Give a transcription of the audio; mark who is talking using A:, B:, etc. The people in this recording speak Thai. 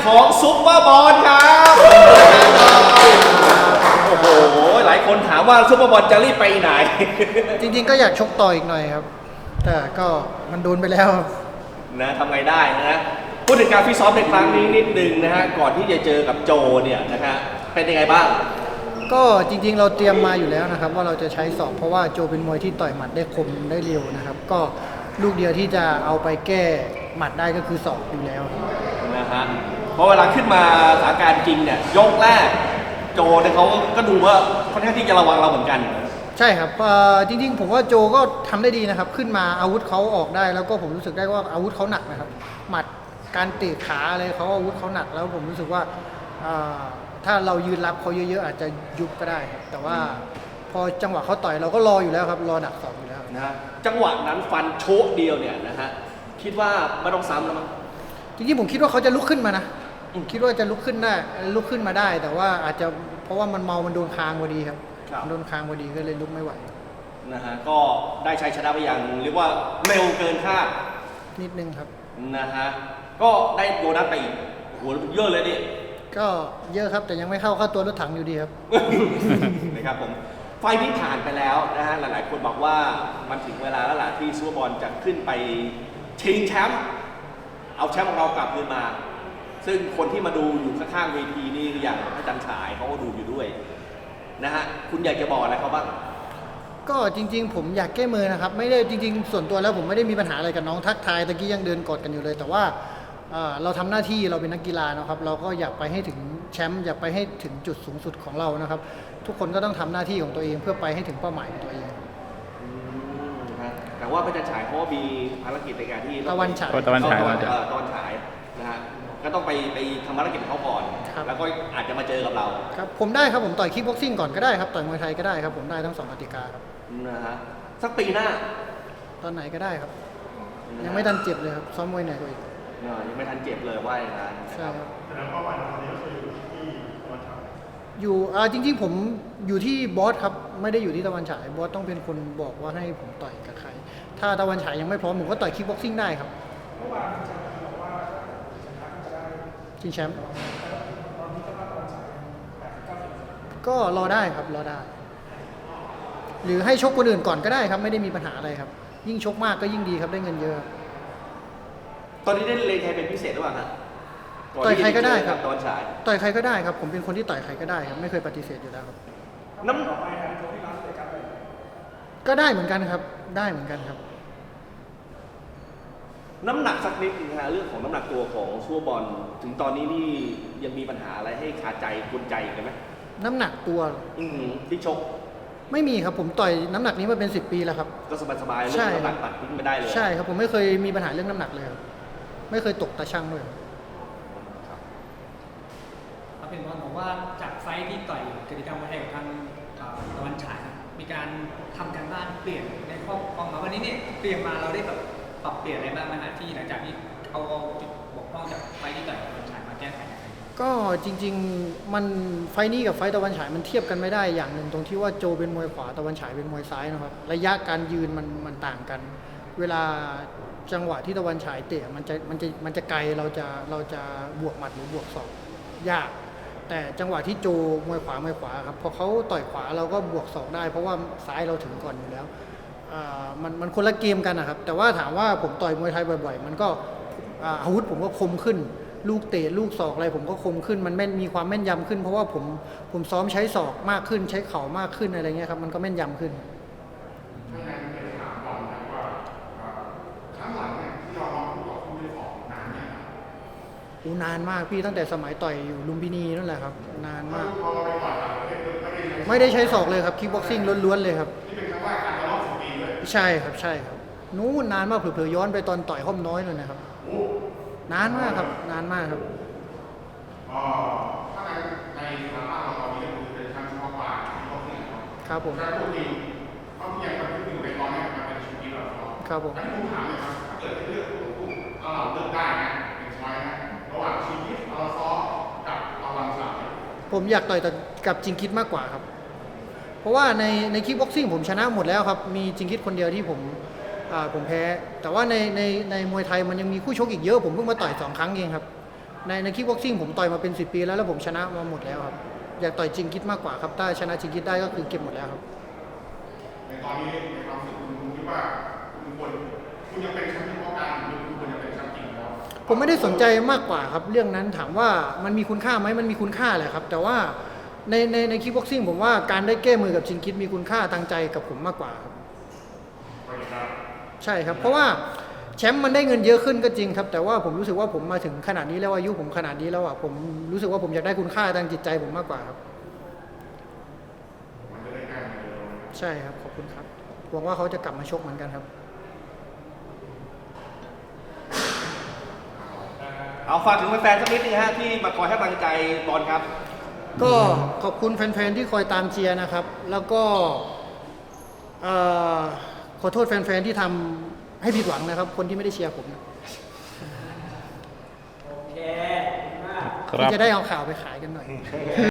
A: ของซุปเปอร์บอลครับโอ้โหหลายคนถามว่าซุปเปอร์บอลจะรีบไปไหน
B: จริงๆก็อยากชกต่ออีกหน่อยครับ แต่ก็มันโดนไปแล้วครับ
A: นะทำไงได้นะพูดถึงการฟิตซ้อมในครั้งนี้นิดนึงนะฮะก่อนที่จะเจอกับโจเนี่ยนะฮะเป็นยังไงบ้าง
B: ก็จริงๆเราเตรียมมาอยู่แล้วนะครับว่าเราจะใช้ศอกเพราะว่าโจเป็นมวยที่ต่อยหมัดได้คมได้เร็วนะครับก็ลูกเดียวที่จะเอาไปแก้หมัดได้ก็คือศอกอยู่แล้วครับ
A: นะฮะเพราะเวลาขึ้นมาสถานการณ์จริงเนี่ยยกแรกโจเนี่ยเขาก็ดูว่าค่อนข้างที่จะระวังเราเหมือนกัน
B: ใช่ครับจริงๆผมว่าโจก็ทำได้ดีนะครับขึ้นมาอาวุธเขาออกได้แล้วก็ผมรู้สึกได้ว่าอาวุธเขาหนักนะครับหมัดการเตะขาอะไรเขาอาวุธเขาหนักแล้วผมรู้สึกว่าถ้าเรายืนรับเขาเยอะๆอาจจะยุบก็ได้ครับแต่ว่าพอจังหวะเขาต่อยเราก็รออยู่แล้วครับรอดักศอกอยู่แล้ว
A: นะฮะจังหวะนั้นฟันโชกเดียวเนี่ยนะฮะคิดว่าไม่ต้องซ้ำแล้วมั้ง
B: จริงๆผมคิดว่าเขาจะลุกขึ้นมานะคิดว่าจะลุกขึ้นได้ลุกขึ้นมาได้ แต่ว่าอาจจะเพราะว่ามันเมามันโดนคางพอดีครับโดนคางพอดีก็เลยลุกไม่ไหว
A: นะฮะก็ได้ชัยชนะไปอย่างเรียกว่าเร็วเกินคาด
B: นิดนึงครับ
A: นะฮะก็ได้โบนัสไปอีกโหเยอะเลยนี่
B: ก็เยอะครับแต่ยังไม่เข้าตัวรถถังอยู่ดีครับ
A: นะครับผมไฟล์ที่ผ่านไปแล้วนะฮะหลายๆคนบอกว่ามันถึงเวลาแล้วล่ะที่ซูเปอร์บอลจะขึ้นไปชิงแชมป์เอาแชมป์ของเรากลับคืนมา ซึ่งคนที่มาดูอยู่ข้างๆเวทีนี่อย่างพระจันทร์ฉายเขาก็ดูอยู่ด้วยนะฮะคุณอยากจะบอกอะไรเขาบ้าง
B: ก็จริงๆผมอยากแก้มือนะครับไม่ได้จริงๆส่วนตัวแล้วผมไม่ได้มีปัญหาอะไรกับน้องทักทายตะกี้ยังเดินกอดกันอยู่เลย แต่ว่าเราทำหน้าที่เราเป็นนักกีฬานะครับเราก็อยากไปให้ถึงแชมป์อยากไปให้ถึงจุดสูงสุดของเรานะครับทุกคนก็ต้องทำหน้าที่ของตัวเองเพื่อไปให้ถึงเป้าหมายของตัวเอง
A: แต่ว่าพระจันทร์ฉายเขาก็มีภารกิจในการที่
B: ตะวันฉาย
A: ตะวันฉายนะฮะก็ต้องไปทำภารกิจของเขาก่อนแล้วก็อาจจะมาเจอกับเรา
B: ครับผมได้ครับผมต่อยคิกบ็อกซิ่งก่อนก็ได้ครับต่อยมวยไทยก็ได้ครับผมได้ทั้ง2กติกาครับ
A: นะฮะสักปีหน้า
B: ตอนไหนก็ได้ครับยังไม่ทันเจ็บเลยครับซ้อมมวยไหนก็อีก
A: ยังไม่ทันเจ็บเลยว่าอย่างนั้น
B: ใช่ครับ
C: แต่เป้าหมายตอนนี้ก็คืออยู่ที่ตะวันฉาย
B: อยู่จริงๆผมอยู่ที่บอสครับไม่ได้อยู่ที่ตะวันฉายบอสต้องเป็นคนบอกว่าให้ผมต่อยกับใครถ้าตะวันฉายยังไม่พร้อมผมก็ต่อยคิกบ็อกซิ่งได้ครับ
C: เมื่อวานอาจารย์บอกว่าชนะจะได้
B: ชิงแชมป์
C: ตอนนี้ก็ว่าตะวันฉาย
B: ก็รอได้ครับรอได้หรือให้ชกคนอื่นก่อนก็ได้ครับไม่ได้มีปัญหาอะไรครับยิ่งชกมากก็ยิ่งดีครับได้เงินเยอะ
A: ตอนนี้ได้เลนใครเป็นพิเศษหรือเปล่าฮะ
B: ต่อยใครก็ได้ครับ
A: ตอนฉาย
B: ต่อยใครก็ได้ครับผมเป็นคนที่ต่อยใครก็ได้ครับไม่เคยปฏิเสธอยู่แล้วครับ
C: น้ำต่อไปนะโจที่ร้านเลยกันเลย
B: ก็ได้เหมือนกันครับได้เหมือนกันครับ
A: น้ำหนักสักนิดนึงฮะเรื่องของน้ำหนักตัวของซูเปอร์บอลถึงตอนนี้นี่ยังมีปัญหาอะไรให้คาใจกุนใจอีกไหม
B: น้ำหนักตัว
A: ที่ชก
B: ไม่มีครับผมต่อยน้ำหนักนี้มาเป็น10 ปีแล้วครับ
A: ก็สบายๆเรื่องน้ำหนักตัดทิ้งไม่ได้เลย
B: ใช่ครับผมไม่เคยมีปัญหาเรื่องน้ำหนักเลยครับไม่เคยตกตาช่างเลย
D: ครับเป็นคนบอกว่าจากไฟที่ต่อยกิจกรรมวันแห่งทางตะวันฉายมีการทำการบ้านเปลี่ยนในข้อความมาวันนี้เนี่ยเปลี่ยนมาเราได้แบบปรับเปลี่ยนอะไรบ้างไหมฮะที่หลังจากที่เอาจุดบกพร่องจากไฟที่ต่อยตะวันฉายมาแก้ไข
B: ก็จริงๆมันไฟนี้กับไฟตะวันฉายมันเทียบกันไม่ได้อย่างหนึ่งตรงที่ว่าโจเป็นมวยขวาตะวันฉายเป็นมวยซ้ายนะครับระยะการยืนมันต่างกันเวลาจังหวะที่ตะวันฉายเตะมันจะไกลเราจะบวกหมัดหรือบวกศอกยากแต่จังหวะที่โจมวยขวครับพอเขาต่อยขวาเราก็บวกศอกได้เพราะว่าซ้ายเราถึงก่อนอยู่แล้วมันคนละเกมกันนะครับแต่ว่าถามว่าผมต่อยมวยไทยบ่อยๆมันก็อาวุธผมก็คมขึ้นลูกเตะลูกศอกอะไรผมก็คมขึ้นมันมีความแม่นยำขึ้นเพราะว่าผมซ้อมใช้ศอกมากขึ้นใช้เข่ามากขึ้นอะไรเงี้ยครับมันก็แม่นยำขึ้น
C: ถ้างั้นเป็นถามก่อนนะว่าครั้งหลังเนี่ยที่เราลองต่อสู้ด้วยของนานเนี่ย
B: นานมากพี่ตั้งแต่สมัยต่อยอยู่ลุมพินีนั่นแหละครับนานมาก
C: พอเราไปต่อย
B: ไม่ได้ใช้ศอกเลยครับคิกบ็อกซิ่งล้วนๆเลยครับ
C: นี่เป็นครั้งแรกการรอบ10 ปีเลย
B: ใช่ครับนู้นนานมากเผลอๆย้อนไปตอนต่อยห้อมน้อยเลยนะครับนานมากครับนานมากครับ
C: ถ้าในสถาบันเราตอนนี้คือเป็นชั้นเฉพาะการที่เขาเนี่ย
B: ครับผม
C: การพูดดีเขาที่ยังเป็นอยู่ในตอนนี้มันเป็นชีวิตเรา
B: ครับผม
C: งั้นผมถามเลยครับถ้าเกิดเลือกเราเลือกได้นะเป็นช้อยนะระหว่างชีวิตเราซ้อกับตะวันฉาย
B: ผมอยากต่อยกับจิงคิดมากกว่าครับเพราะว่าในคิกบ็อกซิ่งผมชนะหมดแล้วครับมีจิงคิดคนเดียวที่ผมแพ้แต่ว่าในมวยไทยมันยังมีคู่ชกอีกเยอะผมเพิ่งมาต่อย2 ครั้งเองครับในคิกบ็อกซิ่งผมต่อยมาเป็น10 ปีแล้วผมชนะมาหมดแล้วครับอยากต่อยจริงคิดมากกว่าครับถ้าชนะจริงคิดได้ก็คือเก็บหมดแล้วครับ
C: ในตอนนี้ในความรู้สึกคุณคิดว่าคุณยังเป็นแชมป์เฉพาะการหรือคุณควรจะเป็นแชมป์จริงแล้ว
B: ผมไม่ได้สนใจมากกว่าครับเรื่องนั้นถามว่ามันมีคุณค่าไหมมันมีคุณค่าแหละครับแต่ว่าในคิกบ็อกซิ่งผมว่าการได้แก้มือกับชิงคิดมีคุณค่าทางใจกับผมมากกว่าครับใช่ครับเพราะว่าแชมป์มันได้เงินเยอะขึ้นก็จริงครับแต่ว่าผมรู้สึกว่าผมมาถึงขนาดนี้แล้วอายุผมขนาดนี้แล้วอ่ะผมรู้สึกว่าผมอยากได้คุณค่าทางจิตใจผมมากกว่าครับใช่ครับขอบคุณครับหวังว่าเขาจะกลับมาชกเหมือนกันครับ
A: เอาฝากถึงแฟนๆสักนิดนึงฮะที่มาคอยให้กำลังใจบอลครับ
B: ก็ขอบคุณแฟนๆที่คอยตามเชียร์นะครับ แล้วก็ขอโทษแฟนๆที่ทำให้ผิดหวังนะครับ คนที่ไม่ได้เชียร์ผมนะ
D: โอเค
B: ที่จะได้เอาข่าวไปขายกันหน่อย